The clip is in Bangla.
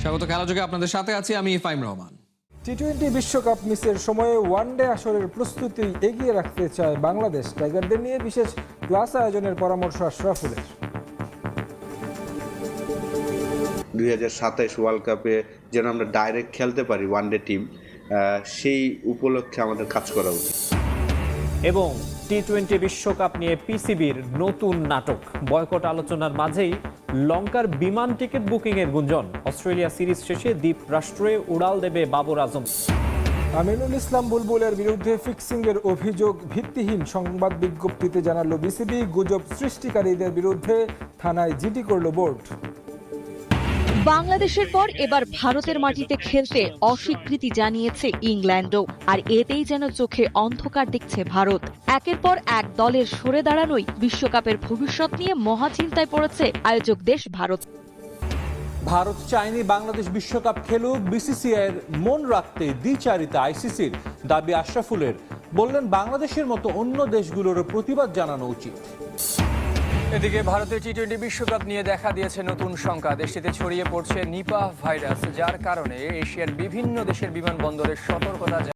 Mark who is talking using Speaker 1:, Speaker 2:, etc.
Speaker 1: স্বাগত খেলাযোগে আপনাদের সাথে আছি আমি ফাইম রহমান।
Speaker 2: টি-20 বিশ্বকাপ মিসের সময়ে ওয়ানডে আসরের প্রস্তুতি এগিয়ে রাখতে চায় বাংলাদেশ। টাইগারদের নিয়ে বিশেষ ক্লাস আয়োজনের পরামর্শ আশরাফুলের।
Speaker 3: 2027 ওয়ার্ল্ড কাপে যেন আমরা ডাইরেক্ট খেলতে পারি ওয়ানডে টিম, সেই উপলক্ষে আমাদের কাজ করা উচিত।
Speaker 4: এবং টি-20 বিশ্বকাপ নিয়ে পিসিবির নতুন নাটক। বয়কট আলোচনার মাঝেই লঙ্কার বিমান টিকিট বুকিংয়ের গুঞ্জন। অস্ট্রেলিয়া সিরিজ শেষে দ্বীপরাষ্ট্রে উড়াল দেবে বাবর আজম।
Speaker 2: আমিনুল ইসলাম বুলবুলের বিরুদ্ধে ফিক্সিংয়ের অভিযোগ ভিত্তিহীন, সংবাদ বিজ্ঞপ্তিতে জানালো বিসিবি। গুজব সৃষ্টিকারীদের বিরুদ্ধে থানায় জিডি করল বোর্ড।
Speaker 5: বাংলাদেশের পর এবার ভারতের মাটিতে খেলতে অস্বীকৃতি জানিয়েছে ইংল্যান্ডও। আর এতেই যেন চোখে অন্ধকার দেখছে ভারত। একের পর এক দলের সরে দাঁড়ানোই বিশ্বকাপের ভবিষ্যৎ নিয়ে মহাচিন্তায় পড়েছে আয়োজক দেশ ভারত।
Speaker 6: ভারত চায়নি বাংলাদেশ বিশ্বকাপ খেলুক। বিসিসিআইয়ের মন রাখতে দ্বিচারিতা আইসিসির দাবি আশরাফুলের। বললেন বাংলাদেশের মতো অন্য দেশগুলোরও প্রতিবাদ জানানো উচিত।
Speaker 7: এদিকে ভারতের টি-20 বিশ্বকাপ নিয়ে দেখা দিয়েছে নতুন শঙ্কা। দেশটিতে ছড়িয়ে পড়ছে নিপাহ ভাইরাস, যার কারণে এশিয়ার বিভিন্ন দেশের বিমানবন্দরে সতর্কতা